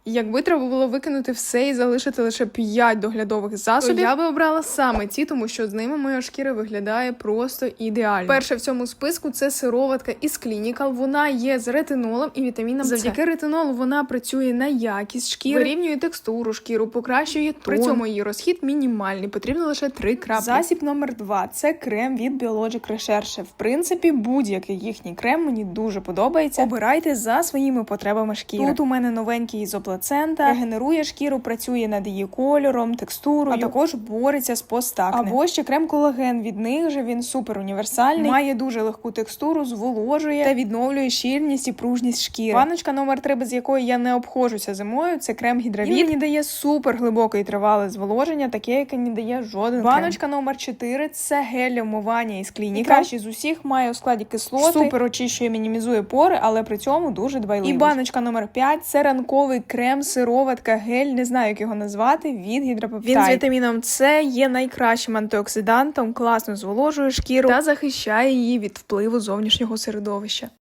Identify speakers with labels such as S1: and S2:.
S1: Якби треба було викинути все і залишити лише 5 доглядових засобів, то я би обрала саме ці, тому що з ними моя шкіра виглядає просто ідеально. Перше в цьому списку це сироватка із Clinical. Вона є з ретинолом і вітаміном С. Завдяки ретинолу вона працює на якість шкіри, вирівнює текстуру шкіру, покращує тон. При цьому її розхід мінімальний, потрібно лише 3 краплі. Засіб номер 2 – це крем від Biologic Recherche. В принципі, будь-який їхній крем мені дуже подобається. Обирайте за своїми потребами шкіри. Тут у мене новенький ізоплацента, регенерує шкіру, працює над її кольором, текстурою, а також бореться з постакне. Або ще крем-колаген від них же, він супер універсальний, має дуже легку текстуру, зволожує та відновлює щільність і пружність шкіри. Баночка номер 3, без якої я не обходжуся зимою, це крем Гідравіт. Він мені дає супер глибоке і тривале зволоження, таке, яке не дає жоден Баночка номер 4 – це гель для вмивання із Clinical. Кращий з усіх, має у складі кислоти, супер очищує, мінімізує пори, але при цьому дуже дбайливий. І баночка номер 5 – це ранковий крем, сироватка, гель, не знаю, як його назвати, від Гідропептайд. Він з вітаміном С є найкращим антиоксидантом, класно зволожує шкіру та захищає її від впливу зовнішнього середовища.